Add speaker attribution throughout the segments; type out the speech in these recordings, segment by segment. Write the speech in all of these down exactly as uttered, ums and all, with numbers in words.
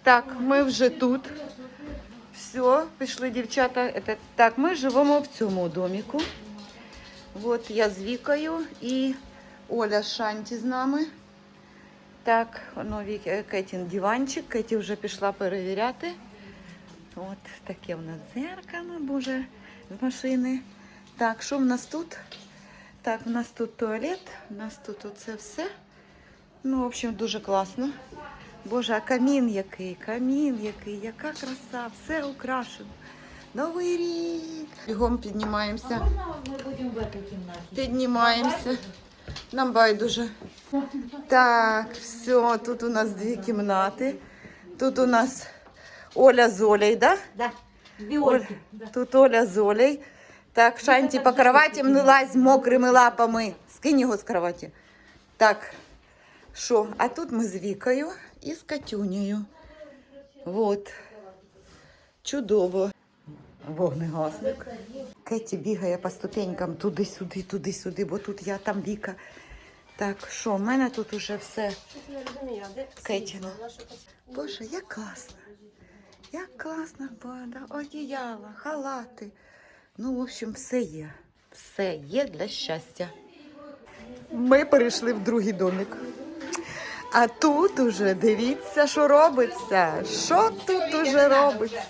Speaker 1: Так, ми вже тут. Все, пішли дівчата. Это... Так, ми живемо в цьому доміку. От я з Вікою і Оля Шанті з нами. Так, воно Кетін диванчик. Кеті вже пішла перевіряти. От таке в нас дзеркало, боже, з машини. Так, що в нас тут? Так, в нас тут туалет, у нас тут оце все. Ну, в общем, дуже класно. Боже, а камін який, камін який, яка краса, все украшено. Новий рік. Бігом піднімаємося.
Speaker 2: А можна ми будемо в этой кімнаті?
Speaker 1: Піднімаємося. Нам байдуже. Так, все, тут у нас дві кімнати. Тут у нас Оля з Олею, да?
Speaker 2: Да. Дві
Speaker 1: Оля,
Speaker 2: Ольки. Да.
Speaker 1: тут Оля з Олею. Так, Шанті по кроватям не лазь мокрими лапами. Скинь його з кроваті. Так, що? А тут ми з Вікою і з Катюнею. Вот. Чудово. Вогнегасник. Кеті бігає по ступенькам туди-сюди, туди-сюди, бо тут я, там Віка. Так, що, в мене тут уже все Кетіно. Боже, як класно. Як класно, бада, одіяла, халати. Ну, в общем, все є. Все є для щастя. Ми перейшли в другий домик. А тут уже, дивіться, що робиться. Що тут уже робиться?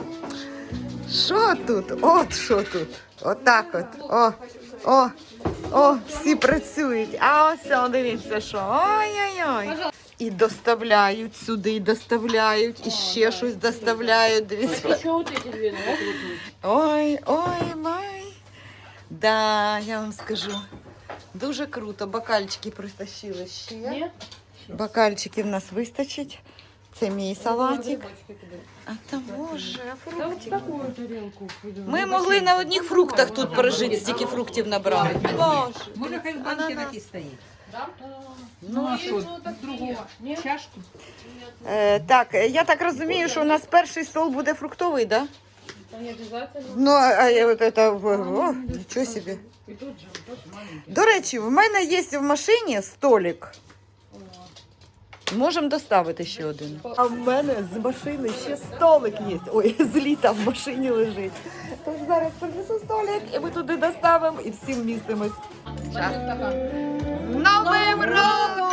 Speaker 1: Що тут? От що тут. Отак от. О, о, о, всі працюють. А ось, о, дивіться, що. Ой-ой-ой. І доставляють сюди, і доставляють, і ще щось доставляють. Дивіться. Ой, ой, май. Да, я вам скажу. Дуже круто. Бокальчики притащили ще.
Speaker 3: Ні?
Speaker 1: Бокальчики в нас вистачить. Це мій салатик. А там, боже, фруктик. Ми могли на одних фруктах тут прожити, стільки фруктів набрали. Боже.
Speaker 4: Може, хай в банки такі стоїть.
Speaker 3: Ну, а що, другого? Чашку?
Speaker 1: Е, так, я так розумію, що у нас перший стол буде фруктовий, да?
Speaker 3: Та не обов'язково.
Speaker 1: Ну, а я от это, о, нічого собі.
Speaker 3: І тут же, тут маленький.
Speaker 1: До речі, в мене є в машині столик. Можемо доставити ще один. А в мене з машини ще столик є. Ой, з літа в машині лежить. Тож зараз принесу столик, і ми туди доставимо, і всім містимось. Час. З Новим роком!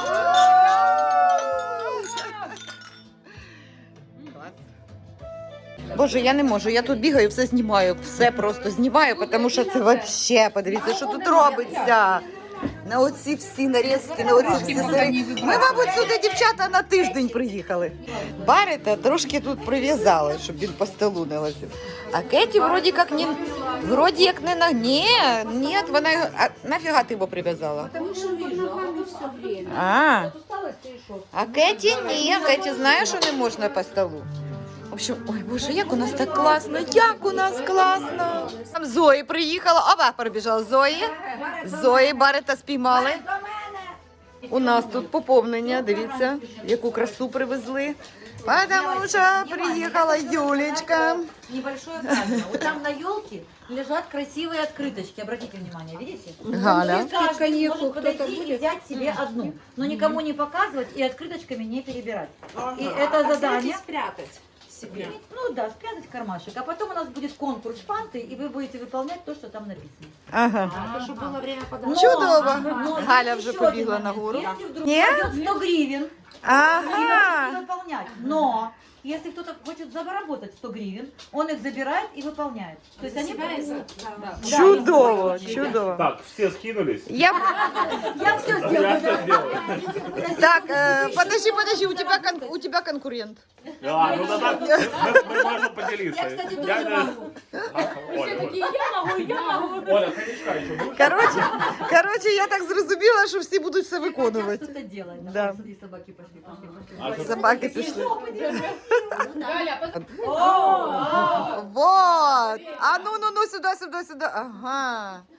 Speaker 1: Боже, я не можу, я тут бігаю, все знімаю, все просто знімаю, тому що це взагалі, подивіться, що тут робиться. На оці всі нарізки, на оці всі серії. Ми, мабуть, сюди, дівчата, на тиждень приїхали. Барита трошки тут прив'язали, щоб він по столу не лазив. А Кеті вроді як не, вроді як не на... Ні, ні, вона його... А нафіга ти його прив'язала?
Speaker 4: Тому що під ногами все время.
Speaker 1: А, а Кеті ні, Кеті знає, що не можна по столу. В общем, ой, боже, як у нас так класно, як у нас класно. Там Зої приїхала, опа, перебіжала Зої. Зої Барита спіймали. У нас тут поповнення, дивіться, яку красу привезли. Потому що приїхала Юлечка.
Speaker 2: Небольшое правило. Вот там на елке лежат красивые открыточки. Обратите внимание, видите?
Speaker 1: Галя.
Speaker 2: Каждый может подойти и взять себе одну, но никому не показывать и открыточками не перебирать. И это задание...
Speaker 4: спрятать себе.
Speaker 2: Ну да, спрятать в кармашек. А потом у нас будет конкурс фанты, и вы будете выполнять то, что там написано.
Speaker 1: Ага.
Speaker 4: А, чтобы было время подать.
Speaker 1: Чудово.
Speaker 2: Но
Speaker 1: Галя
Speaker 2: есть
Speaker 1: вже
Speaker 2: еще один
Speaker 1: побігла
Speaker 2: момент.
Speaker 1: нагору.
Speaker 2: Если вдруг
Speaker 1: Ні?
Speaker 2: пойдет сто гривен, и
Speaker 1: Ага.
Speaker 2: можете выполнять. Но если кто-то хочет заработать сто гривен, он их забирает и выполняет. То есть они... Да,
Speaker 1: Чудово,
Speaker 2: если-
Speaker 1: чудово.
Speaker 5: Так, все скинулись?
Speaker 1: Я...
Speaker 2: Я все
Speaker 5: Я
Speaker 2: сделаю.
Speaker 5: все сделал.
Speaker 1: Так, э, подожди, подожди, у тебя, кон... у тебя конкурент.
Speaker 5: А, ну тогда мы, мы можем поделиться.
Speaker 2: Я, кстати, тоже
Speaker 5: Я,
Speaker 2: могу.
Speaker 5: а, Оля, вот.
Speaker 3: Я могу, я могу.
Speaker 5: Оля, коньячка еще будешь?
Speaker 1: Короче, короче, я так зрозуміла, що всі будуть все
Speaker 2: Хотят
Speaker 1: виконувати.
Speaker 2: что-то делать.
Speaker 1: Да.
Speaker 2: Да. Смотри, собаки пошли, пошли,
Speaker 5: А
Speaker 2: пошли.
Speaker 5: что-
Speaker 1: Собаки пішли.
Speaker 3: Галя, пос-
Speaker 1: Вот. А ну, ну, ну, сюда, сюда, сюда. Ага.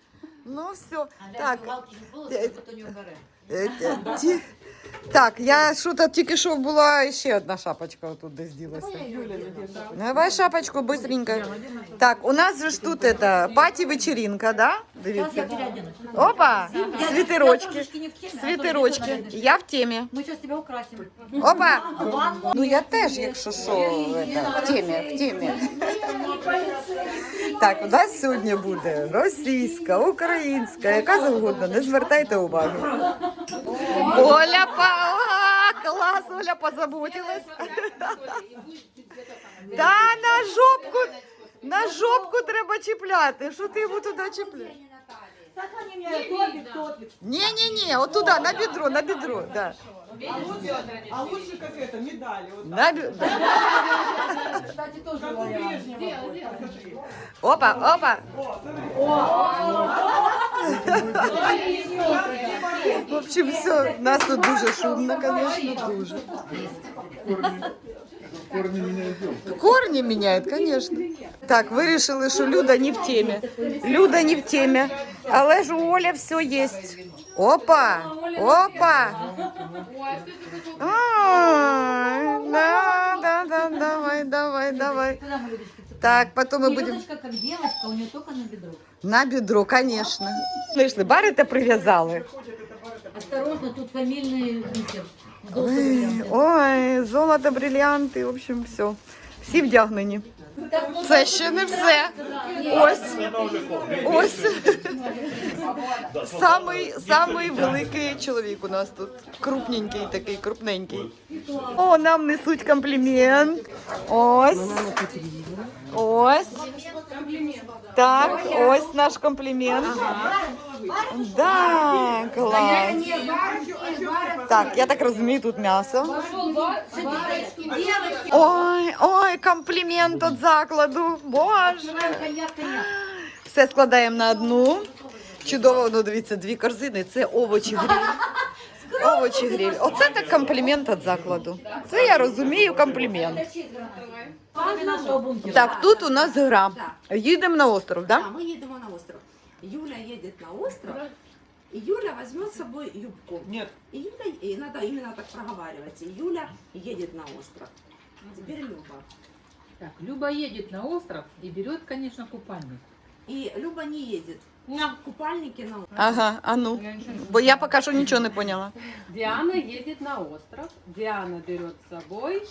Speaker 1: Ну все.
Speaker 2: А
Speaker 1: Так.
Speaker 2: галки не було,
Speaker 1: Е,
Speaker 2: то не вбере.
Speaker 1: Е, ті- ті- Так, я що то тільки що була ще одна шапочка отут десь ділася. Давай шапочку быстренько. Так, у нас же ж тут это паті-вечеринка, да?
Speaker 2: Сейчас я
Speaker 1: Дивіться.
Speaker 2: переоденусь.
Speaker 1: Опа,
Speaker 2: Я- я
Speaker 1: свитерочки.
Speaker 2: трошечки не в теме, а
Speaker 1: Свитерочки.
Speaker 2: тоже не в теме.
Speaker 1: Я в темі.
Speaker 2: Мы сейчас тебя украсим.
Speaker 1: Опа.
Speaker 2: Ванну.
Speaker 1: Ну я теж, якщо що, это, в темі, в темі. Так, у нас сьогодні буде російська, українська, яка завгодно, не звертайте уваги. Оля, па... Ага, клас, Оля позаботилась. Та на жопку, на жопку треба чіпляти. Що ти йому туди чіпляєш?
Speaker 2: Так они мне топик, топик.
Speaker 1: Ні-ні-ні, от туди, на бедро, на бедро, да.
Speaker 6: А лучше как это, медали. Вот
Speaker 1: На бе-
Speaker 2: Кстати, тоже
Speaker 6: как у
Speaker 2: вариант.
Speaker 6: Брежнева. Вот, посмотри.
Speaker 1: Опа, опа. В общем, все, нас тут дуже шумно, конечно, дуже.
Speaker 5: Корни меня идем.
Speaker 1: Корни меняют, конечно. Так, вирішили, що Люда не в темі. Люда не в темі. Але ж у Оля все є. Опа! Опа! Ай, да, да, да, давай, давай, давай.
Speaker 2: Куда мы, Людочка, цепляем?
Speaker 1: Так, потом мы
Speaker 2: И
Speaker 1: будем
Speaker 2: Людочка, как девочка, у нее только на бедро.
Speaker 1: на бедро, конечно. Знайшли, барите прив'язали.
Speaker 2: Осторожно, тут фамильный бисер.
Speaker 1: Ой, ой, золото, бриллианти, в общем, все. Всі вдягнені. Це ще не все. Ось, ось. Самий, самий великий чоловік у нас тут. Крупненький такий, крупненький. О, нам несуть комплімент. Ось. Ось. Так, ось наш комплімент. Да, клас. Так, я так розумію, тут м'ясо. Ой, ой, комплімент від закладу. Боже.
Speaker 2: Коньяк, коньяк.
Speaker 1: Все складаємо на одну. Чудово, ну дивіться, дві корзини. Це овочі гриль. Овочі гриль. Оце так комплімент від закладу. Це я розумію комплімент.
Speaker 2: Пан нашего бункера.
Speaker 1: Так, тут у нас гра. Їдемо на остров,
Speaker 4: Да,
Speaker 1: так?
Speaker 4: мы едем на остров. Юля едет на остров, и Юля возьмет с собой юбку.
Speaker 6: Нет.
Speaker 4: И Юля, и надо именно так проговаривать. И Юля едет на остров. Теперь Люба.
Speaker 3: Так, Люба едет на остров и берет, конечно, купальник.
Speaker 4: И Люба не едет. Купальники на остров.
Speaker 1: Ага, а ну. Бо я поки що нічого не поняла.
Speaker 3: Диана едет на остров. Диана берет с собой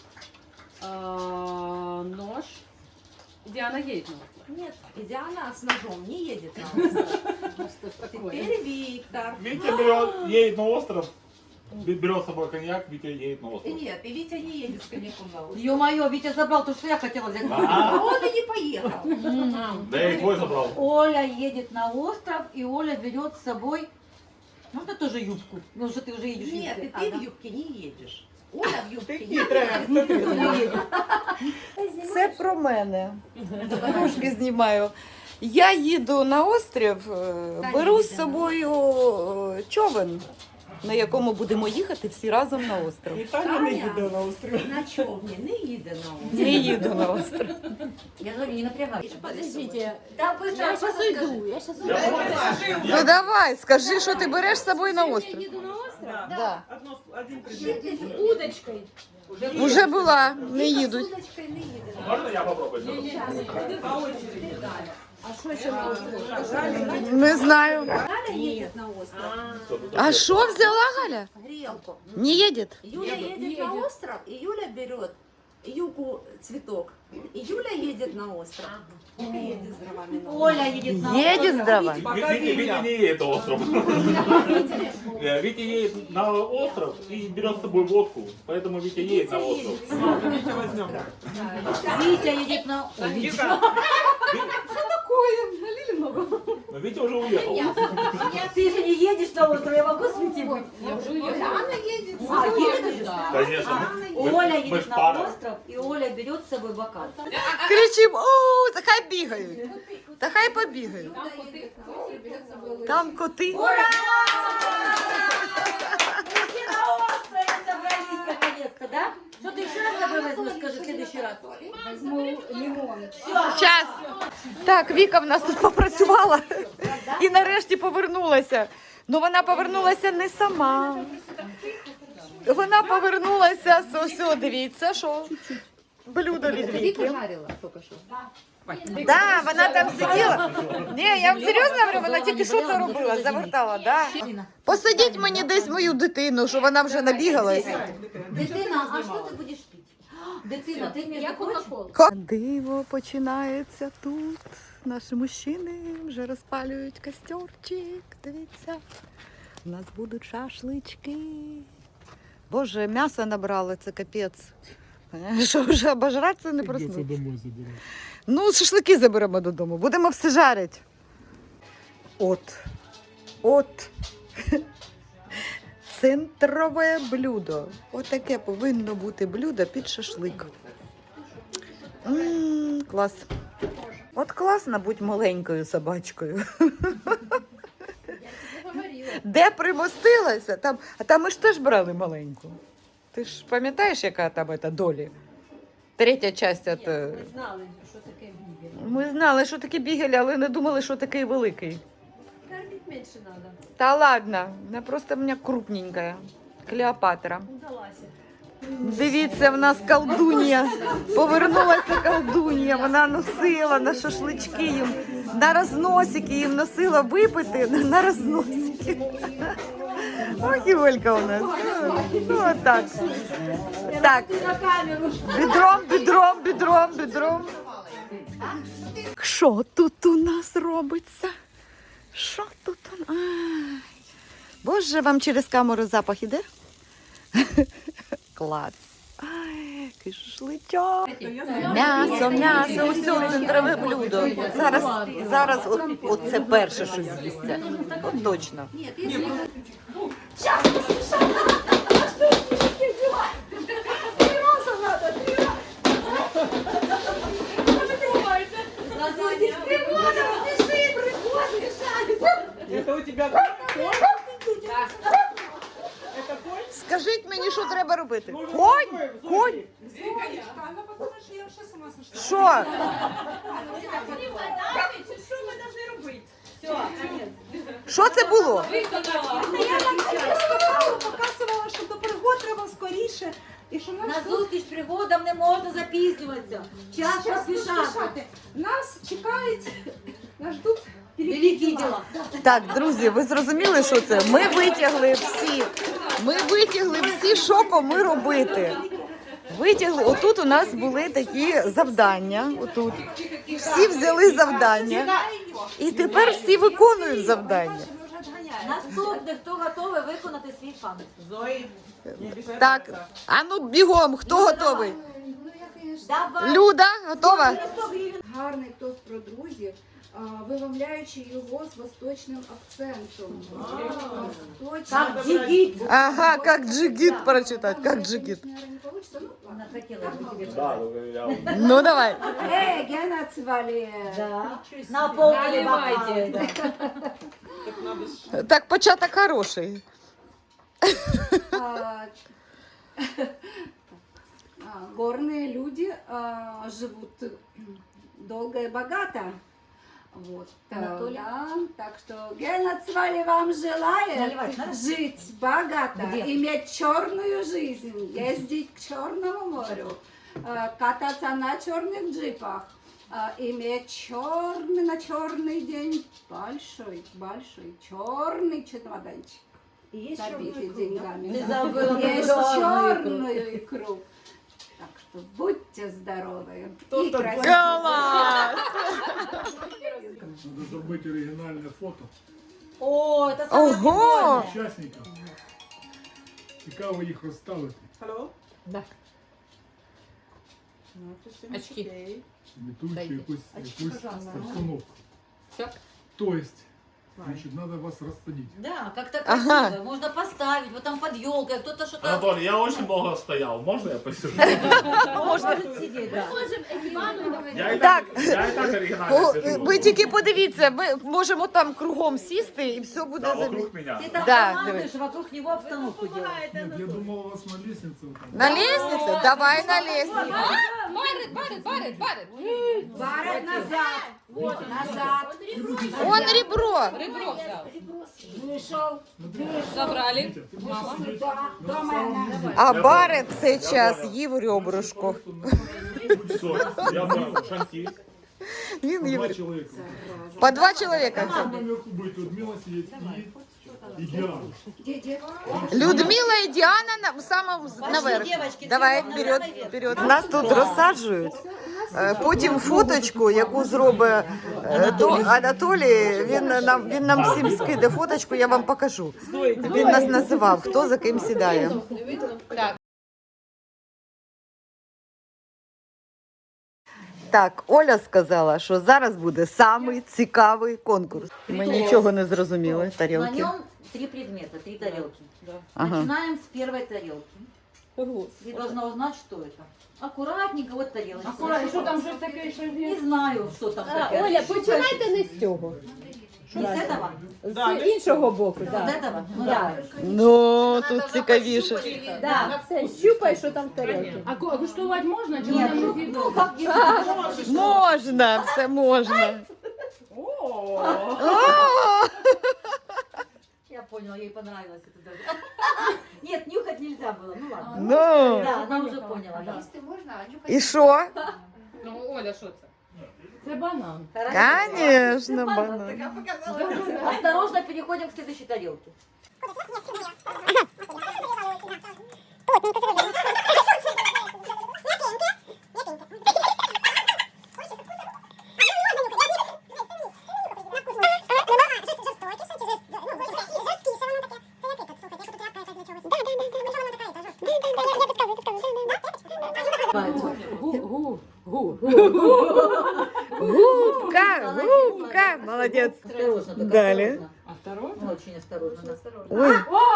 Speaker 3: э, нож. Диана едет на остров.
Speaker 4: Нет, и Диана с ножом не едет на остров.
Speaker 3: Ну что ж такое?
Speaker 4: Теперь Виктор.
Speaker 5: Витя берет, едет на остров, берет с собой коньяк, Витя едет на
Speaker 4: И
Speaker 5: остров.
Speaker 4: нет, и Витя не едет с коньяком на остров.
Speaker 2: Ё-моё, Витя забрал то, что я хотела взять.
Speaker 4: А
Speaker 5: А,
Speaker 4: он и не поехал.
Speaker 5: да я и твой забрал.
Speaker 2: Оля едет на остров, и Оля берет с собой... Можно тоже юбку? Ну что ты уже едешь в
Speaker 4: Нет,
Speaker 2: юбке.
Speaker 4: и
Speaker 2: А,
Speaker 4: ты
Speaker 2: да.
Speaker 4: в юбке не едешь. Оля в юбке
Speaker 6: Ты
Speaker 4: не
Speaker 6: хитрая,
Speaker 4: едет.
Speaker 6: смотри.
Speaker 1: Це про мене. Трошки знімаю. Я їду на острів, е, беру з собою е, човен, на якому будемо їхати всі разом на остров.
Speaker 6: І Таня не їде на острів.
Speaker 4: На човне не їде на остров.
Speaker 1: Не їду на остров.
Speaker 2: Я говорю, не напрягайся.
Speaker 4: Подождите.
Speaker 2: Да, быстро, я сейчас уйду.
Speaker 4: Я сейчас
Speaker 1: Ну давай, скажи, що ти береш з собою на остров.
Speaker 6: Да.
Speaker 1: Да.
Speaker 6: Одно, один предмет.
Speaker 3: Удочкой.
Speaker 1: Уже була, не їдуть.
Speaker 4: удочкой не їде.
Speaker 5: Можно я попробую?
Speaker 6: По очереди.
Speaker 4: А що ще на острові?
Speaker 1: Не знаю.
Speaker 4: Галя едет на остров.
Speaker 1: А що взяла Галя?
Speaker 4: Грелку.
Speaker 1: Не їде?
Speaker 4: Юля едет на остров, и Юля берет юбку цветок. И Юля едет на остров. Вика едет с дровами на остров.
Speaker 2: Оля едет на
Speaker 1: Їде
Speaker 2: остров.
Speaker 1: здава.
Speaker 6: Пока
Speaker 5: Витя, Витя
Speaker 6: Витя.
Speaker 5: не едет на остров. Э, Витя едет на остров и берет с собой водку, поэтому Витя едет на остров.
Speaker 6: Витя возьмем.
Speaker 2: Витя едет на... Ой, Витя.
Speaker 6: Вика,
Speaker 5: Но Витя уже уехал.
Speaker 2: Ты же не едешь на остров, я могу светить?
Speaker 3: Я уже уехала.
Speaker 2: А, едет уже?
Speaker 5: Конечно. мы-
Speaker 2: Оля
Speaker 5: мы ж
Speaker 2: едет на
Speaker 5: пара.
Speaker 2: остров, и Оля берет с собой бокал.
Speaker 1: Кричимо, о, та хай бігають. Та хай побігають.
Speaker 3: Там коты, коты берет с собой.
Speaker 1: Там коти.
Speaker 2: Все на острове собрались наконец-то, да? Что ты еще раз с собой возьмешь, скажи, в следующий раз? Возьму лимон. Все.
Speaker 1: Час. Так, Віка в нас тут попрацювала. і нарешті повернулася. Ну вона повернулася не сама. Вона повернулася, ось, дивіться, що блюдо від Віки.
Speaker 3: Жарила только что.
Speaker 1: Да, вона там сиділа. Ні, я вам серйозно говорю, вона тільки що це робила, завертала, да? Посадіть мені десь мою дитину, що вона вже набігалась.
Speaker 2: Дитина, а що ти будеш пити? Дитина, ти між
Speaker 3: Я
Speaker 2: прочим,
Speaker 3: кока-колу.
Speaker 1: Диво починається тут. Наші мужчини вже розпалюють костерчик. Дивіться. У нас будуть шашлички. Боже, м'ясо набрали, це капець. Що вже обожратися не проснуться.
Speaker 7: домой забирати.
Speaker 1: Ну, шашлики заберемо додому. Будемо все жарити. От. От. Центрове блюдо. Отаке повинно бути блюдо під шашлик. М, клас. От класно бути маленькою собачкою. Де примостилася? Там, а там ми ж теж брали маленьку. Ти ж пам'ятаєш, яка там ета долі? Третя частина. От...
Speaker 2: знали, що таке бігель.
Speaker 1: Ми знали, що таке бігель, але не думали, що такий великий.
Speaker 2: Кормить менше треба.
Speaker 1: Та ладно, вона просто в мене крупненька. Клеопатра.
Speaker 2: Удалася.
Speaker 1: Дивіться, в нас колдунья. Повернулася колдунья. Вона носила на шашлички їм, на розносики їм носила випити на розносики. Ох, і Олька у нас. Ну, отак. Так. Бідром, бідром, бідром, бідром. Що тут у нас робиться? Що тут у нас? Ай. Боже, вам через камеру запах іде? Клас. Ай, який шашличок. М'ясо, м'ясо, усе центрове блюдо. Зараз, зараз от, от це перше, що з'їсться. От точно.
Speaker 6: Это у тебя конь? Это конь?
Speaker 1: Скажіть мені, що треба робити?
Speaker 6: Може,
Speaker 1: Конь?
Speaker 6: зробимо?
Speaker 1: Конь?
Speaker 4: Зоечка, она подумает, что я вообще с ума сошла.
Speaker 1: Що?
Speaker 4: Что мы должны рубить? Все,
Speaker 1: Що це було?
Speaker 4: я скакала, показувала, що до пригод треба скоріше. І що нас
Speaker 2: На
Speaker 4: тут
Speaker 2: зустріч пригодам не можна запізнюватися. Час
Speaker 4: час
Speaker 2: поспішати.
Speaker 4: поспішати. Нас чекають, нас ждуть
Speaker 2: Великі діла.
Speaker 1: Так, друзі, ви зрозуміли, що це? Ми витягли всі. Ми витягли всі, що кому робити. Витягли. Отут у нас були такі завдання. Отут. Всі взяли завдання. І тепер всі виконують завдання.
Speaker 2: Наступне, хто готовий виконати свій фан.
Speaker 6: Зои. не обижай
Speaker 1: Так,
Speaker 6: брата.
Speaker 1: а ну бігом, хто готовий?
Speaker 2: Давай.
Speaker 1: Люда, готова?
Speaker 2: сто гривень.
Speaker 8: Гарний тост про друзів, а, вимовляючи його з восточним акцентом. Восточний.
Speaker 2: Как джигит.
Speaker 1: Ага, як джигіт прочитати, як джигіт.
Speaker 8: Наверное, не получится, ну ладно.
Speaker 2: Она хотела бы тебе.
Speaker 5: Да, я...
Speaker 1: Ну давай.
Speaker 8: Эй, Гена Цвали!
Speaker 2: Да. Наполнили
Speaker 3: Наливайте.
Speaker 2: бокалы.
Speaker 6: Так надо ж.
Speaker 1: Так, початок хороший.
Speaker 8: А, а, Горные люди а, живут долго и богато. Вот.
Speaker 2: Анатолий?
Speaker 8: Да, так что Гена Цвали вам желает
Speaker 2: Наливать надо?
Speaker 8: жить богато,
Speaker 2: Где?
Speaker 8: иметь черную жизнь, ездить к Черному морю, э, кататься на черных джипах, э, иметь черный на черный день большой, большой черный чемоданчик,
Speaker 2: И есть
Speaker 8: забитый
Speaker 2: черный
Speaker 8: деньгами.
Speaker 2: Ты
Speaker 8: да.
Speaker 2: забыла про
Speaker 8: Есть
Speaker 2: черную
Speaker 8: черную икру. Так что будьте здоровы
Speaker 6: Кто
Speaker 8: и
Speaker 6: там
Speaker 8: красивы.
Speaker 1: Клас!
Speaker 7: Надо зробити оригінальне фото
Speaker 2: О, это самое
Speaker 1: Ого!
Speaker 7: учасників. Цікаво їх розставити.
Speaker 6: Алло?
Speaker 3: Да.
Speaker 6: Ну, это всё
Speaker 3: Очки.
Speaker 6: окей.
Speaker 7: Імітуючи
Speaker 3: Дайте.
Speaker 7: якусь, якусь
Speaker 3: пожалуйста.
Speaker 7: обстановку.
Speaker 3: Все.
Speaker 7: Тобто, значить, треба вас розсадити.
Speaker 2: Да, как-то
Speaker 1: Ага.
Speaker 2: красиво. Можно поставить, вот там под елкой, кто-то что-то
Speaker 5: Анатолий, я очень много стоял. Можно я посижу?
Speaker 2: может сидеть, да.
Speaker 5: Я и
Speaker 1: Так.
Speaker 5: так, я и так оригинально
Speaker 1: О,
Speaker 5: сижу.
Speaker 1: ви тільки подивіться, ми можемо там кругом сісти і все буде
Speaker 5: Да,
Speaker 1: замі-
Speaker 5: вокруг меня.
Speaker 2: Ты там
Speaker 1: Да,
Speaker 2: командуешь, вокруг него обстановку делаешь.
Speaker 7: Ні, я думав, у вас на лестниці. там.
Speaker 1: На лестнице? Давай на лестницу.
Speaker 3: Барит, барит, барит, барит.
Speaker 8: Барат назад. Назад.
Speaker 1: Он ребро.
Speaker 3: Ребро взял.
Speaker 8: Вышел.
Speaker 3: Забрали.
Speaker 7: Витя, ты можешь
Speaker 3: Мама.
Speaker 7: сидеть
Speaker 8: Да,
Speaker 7: на
Speaker 8: дома
Speaker 7: самом
Speaker 8: она.
Speaker 7: низу.
Speaker 1: А Барет в цей час їв ребрышко.
Speaker 5: Все, я за шанти.
Speaker 1: Він
Speaker 7: По
Speaker 1: їв.
Speaker 7: два человека.
Speaker 1: По два чоловіка.
Speaker 7: Там наверху будет Людмила сидеть и, и Диана.
Speaker 1: Людмила і Діана на самому наверх.
Speaker 2: девочки,
Speaker 1: Давай,
Speaker 2: всё,
Speaker 1: вперед,
Speaker 2: наверх.
Speaker 1: вперед. Нас тут розсаджують. Е, Потім фоточку, яку зробить е, то Анатолій, він нам, він нам всім скиде фоточку, я вам покажу. Він нас називав, хто за ким сідає. Так, Оля сказала, що зараз буде самий цікавий конкурс. Ми нічого не зрозуміли,
Speaker 2: На
Speaker 1: тарілки.
Speaker 2: нем три предмета, три тарелки.
Speaker 1: Ага.
Speaker 2: Начинаем с первой тарелки. Ты должна узнать, что это. Аккуратненько, вот тарелочка.
Speaker 3: Аккуратно, що там щось таке, що
Speaker 2: Не знаю, что там такое.
Speaker 9: Оля, починайте не з цього.
Speaker 2: Не с этого?
Speaker 9: З іншого боку,
Speaker 2: Вот
Speaker 9: так.
Speaker 2: этого? Ну да.
Speaker 1: Ну, тут цікавіше.
Speaker 9: Да. Все, щупай, що там в тарілці.
Speaker 3: А ко- куштувати можна чи
Speaker 2: Нет,
Speaker 3: вона
Speaker 2: ну,
Speaker 3: не
Speaker 2: ну как если можешь.
Speaker 1: Можна, все можна.
Speaker 6: О,
Speaker 1: О!
Speaker 2: Я поняла, ей понравилось это даже. Нет, нюхать нельзя было, ну ладно.
Speaker 1: Ну,
Speaker 2: Да, она уже поняла, да.
Speaker 1: і що?
Speaker 3: Ну, Оля, що це? Це банан.
Speaker 1: Конечно, банан.
Speaker 2: Осторожно, переходим к следующей тарелке.
Speaker 1: Губка, губка, молодец.
Speaker 2: Осторожно, только
Speaker 1: Далее.
Speaker 2: осторожно. Ну, очень осторожно, да.
Speaker 1: Ой,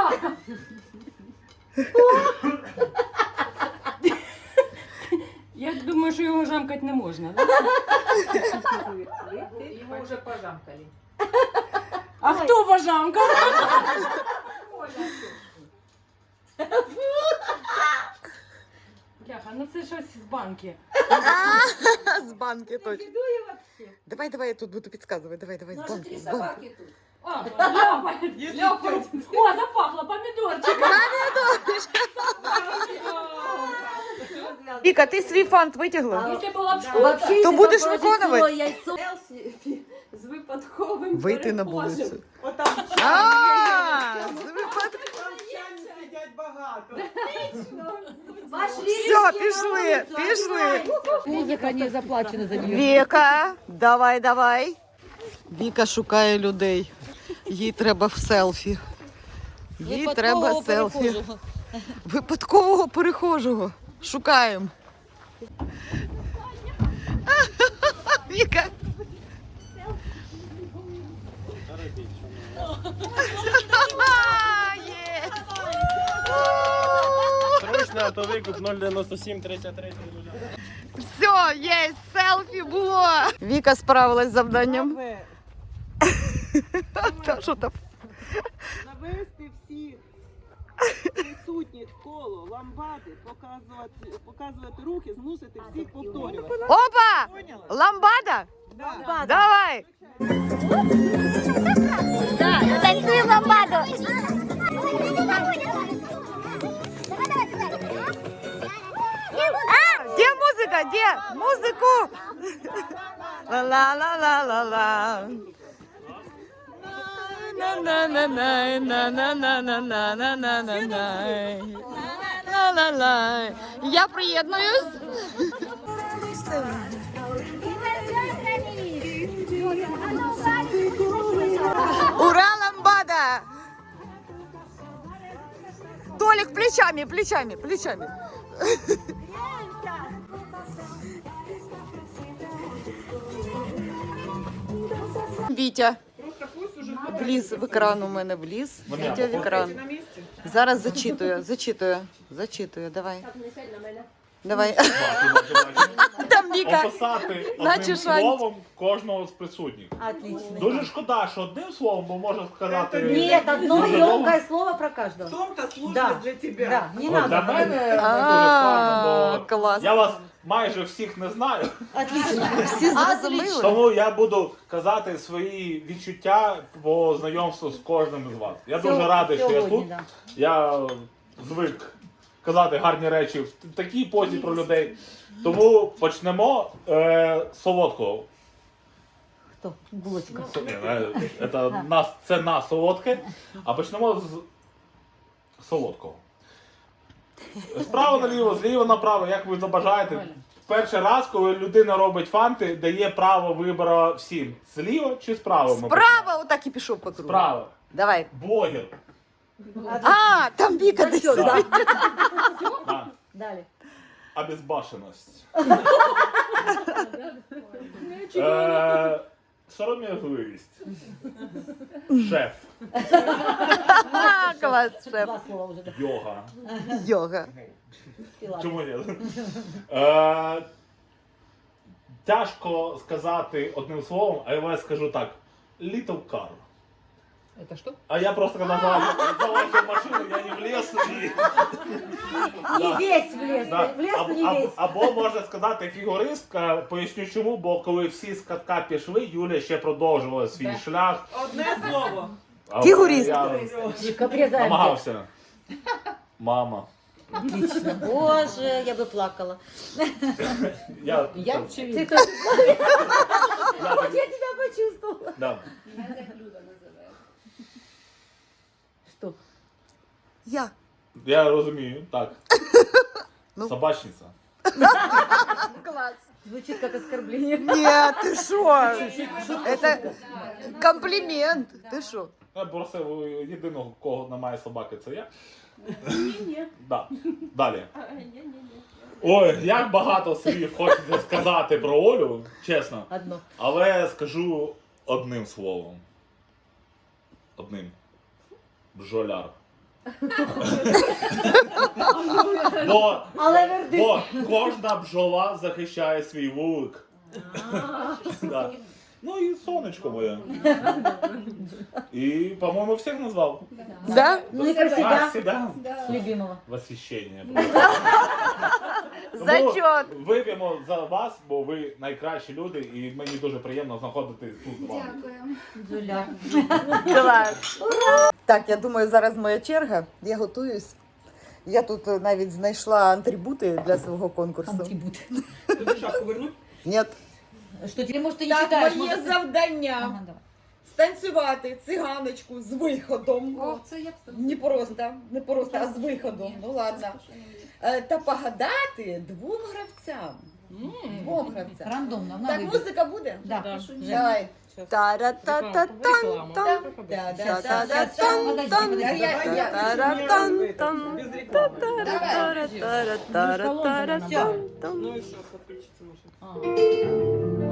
Speaker 9: Я думаю, що його жамкати не можна.
Speaker 3: Його вже пожамкали.
Speaker 9: А хто пожамкав? Бляха, ну це щось з банки.
Speaker 1: з банки точно. Давай, давай, я тут буду підказувати. Давай, давай, з банки, з банки.
Speaker 8: Собаки тут.
Speaker 9: А, ляпать, ляпать. О, запахло помідорчик.
Speaker 1: Віка, ти свій фант витягла?
Speaker 9: Якщо була б школа,
Speaker 2: Вообще,
Speaker 1: То
Speaker 2: если
Speaker 1: будешь
Speaker 2: положить
Speaker 1: виконувати?
Speaker 2: целое яйцо,
Speaker 9: з випадковим
Speaker 1: Вийти на
Speaker 9: перекосом.
Speaker 1: вулицю.
Speaker 6: отам
Speaker 1: А, з випадку.
Speaker 6: чайні сидять багато.
Speaker 2: пошли
Speaker 1: Все,
Speaker 2: все
Speaker 1: пішли,
Speaker 2: на улицу,
Speaker 1: пішли.
Speaker 2: Музыка не заплачена за нее.
Speaker 1: Віка, давай, давай. Віка шукає людей. Їй треба в селфі. Їй треба селфі. Випадкового перехожого. Шукаємо. Віка. Є.
Speaker 10: Срочно, а то викуп нуль дев'яносто сім тридцять три.
Speaker 1: Все, є, селфі було. Віка справилась з завданням. Та що там?
Speaker 6: Навести всіх присутніх коло ламбади, показувати, показувати рухи, змусити всіх повторювати.
Speaker 1: Опа!
Speaker 6: Поняла?
Speaker 1: Ламбада?
Speaker 6: Да.
Speaker 1: Давай!
Speaker 11: Танцуем ламбаду.
Speaker 1: Где музыка? Где? Музыку! Ла-ла-ла-ла-ла-ла. На-на-на-на, на-на-на-на-на-на-на-на. Ла-ла-ла. Я приєднуюсь. Ура, ламбада! Толик, плечами, плечами, плечами. Вітя. Вліз в екран у мене вліз. Вітя в екран.
Speaker 6: На місці?
Speaker 1: Зараз зачитую, зачитую, зачитую. Давай. Давай.
Speaker 5: Бачу, бачу, бачу.
Speaker 1: Та там Віка.
Speaker 5: описати
Speaker 1: Наче
Speaker 5: одним
Speaker 1: Шанті.
Speaker 5: словом кожного з присутніх.
Speaker 2: Отлично.
Speaker 5: Дуже шкода, що одним словом, бо можна сказати...
Speaker 2: Нет, одно
Speaker 5: дуже довго.
Speaker 2: емкое слово про каждого.
Speaker 6: В том-то сложность
Speaker 2: Да.
Speaker 6: для тебя.
Speaker 2: Да, не
Speaker 5: От
Speaker 2: надо.
Speaker 5: Для мене не дуже
Speaker 1: А,
Speaker 5: складно, бо
Speaker 1: клас.
Speaker 5: я вас майже всіх не знаю,
Speaker 2: Отлично.
Speaker 1: Всі зрозуміли?
Speaker 5: тому я буду казати свої відчуття по знайомству з кожним із вас. Я дуже радий, що я тут.
Speaker 2: Да.
Speaker 5: Я звик казати гарні речі в такій позі про людей. Тому почнемо е, з солодкого.
Speaker 2: Кто? Булочка.
Speaker 5: Це, ні, е, це, на, це на солодке. А почнемо з солодкого. Справа наліво, зліва направо, як ви забажаєте. Перший раз, коли людина робить фанти, дає право вибору всім. Зліва чи справа? ми почнемо?
Speaker 1: Справа отак і пішов по кругу.
Speaker 5: Справа.
Speaker 1: Давай.
Speaker 5: Блогер.
Speaker 1: А, там Віка десь.
Speaker 2: Всё, да.
Speaker 5: Да.
Speaker 2: Далее.
Speaker 5: Обезбашеність. Е, Сором'язливість. Шеф.
Speaker 1: А, клас, шеф.
Speaker 2: Два слова уже. Да.
Speaker 5: Йога.
Speaker 1: Йога.
Speaker 2: И ладно.
Speaker 5: Чому ні? Е, Тяжко сказати одним словом, а я скажу так. Little car.
Speaker 3: Это что?
Speaker 5: А я просто когда залазил в машину, я не влез и...
Speaker 2: Не весь влез.
Speaker 5: Да.
Speaker 2: Влез,
Speaker 5: Або,
Speaker 2: но не
Speaker 5: або,
Speaker 2: весь.
Speaker 5: або можна сказати фігуристка, поясню чому, бо коли всі з катка пішли, Юля ще продовжувала свій
Speaker 3: Да.
Speaker 5: шлях.
Speaker 6: Одне слово.
Speaker 5: А
Speaker 1: Фігуристка.
Speaker 5: Я
Speaker 2: Обрезаем.
Speaker 5: намагався. Мама.
Speaker 2: Отлично. Боже, я бы плакала.
Speaker 5: Я,
Speaker 3: Я
Speaker 2: Ты
Speaker 3: очевидно.
Speaker 2: тоже
Speaker 5: я,
Speaker 2: Вот я тебя почувствовала.
Speaker 5: да.
Speaker 2: Что?
Speaker 1: Я.
Speaker 5: Я розумію, так.
Speaker 1: Ну.
Speaker 5: Собачниця.
Speaker 1: Клас.
Speaker 2: Звучит как оскорбление.
Speaker 1: Ні, ти що? Це комплімент. Ти що?
Speaker 5: Я просив єдиного, кого немає собаки, це я. Да. Далі. Ой, як багато слів хочеться сказати про Олю, чесно.
Speaker 2: Одно.
Speaker 5: Але скажу одним словом. Одним. Бджоляр. бо,
Speaker 2: Але верди.
Speaker 5: бо кожна бджола захищає свій вулик. Да. Ну і сонечко моє. І, по-моєму, всіх назвав.
Speaker 1: Да?
Speaker 2: Ну и про
Speaker 5: А,
Speaker 2: себя.
Speaker 5: себя?
Speaker 2: Любимого.
Speaker 5: Восхищення.
Speaker 1: Зачет.
Speaker 5: Тому вип'ємо за вас, бо ви найкращі люди, і мені дуже приємно знаходитись тут з вами.
Speaker 2: Джуля.
Speaker 1: Клас. Так, я думаю, зараз моя черга. Я готуюсь. Я тут е, навіть знайшла атрибути для свого конкурсу.
Speaker 2: Атрибут.
Speaker 6: Тобі шапку вернуть?
Speaker 1: Ні.
Speaker 2: Что тебе, может, ты не
Speaker 12: Так,
Speaker 2: читаешь?
Speaker 12: моє
Speaker 2: может, ты-
Speaker 12: завдання
Speaker 2: Ага, давай.
Speaker 12: станцювати циганочку з виходом.
Speaker 9: О, це я б
Speaker 12: Не просто, не просто, а з виходом. Ну ладно. Е, Та погадати двом гравцям. Двом гравцям.
Speaker 2: Рандомно. на
Speaker 12: Так,
Speaker 2: выбор.
Speaker 12: музика буде?
Speaker 2: Да.
Speaker 12: Давай.
Speaker 1: Тара-та-та-тан-тан.
Speaker 12: Та-да-да-да-да.
Speaker 2: Подожди,
Speaker 12: Я- я-
Speaker 2: подожди.
Speaker 12: я-
Speaker 1: Тара-тан-тан.
Speaker 6: Без рекламы.
Speaker 12: Давай.
Speaker 1: Тара-тара-тара-тара-тан.
Speaker 6: Ну и что, подключиться можно.
Speaker 2: А.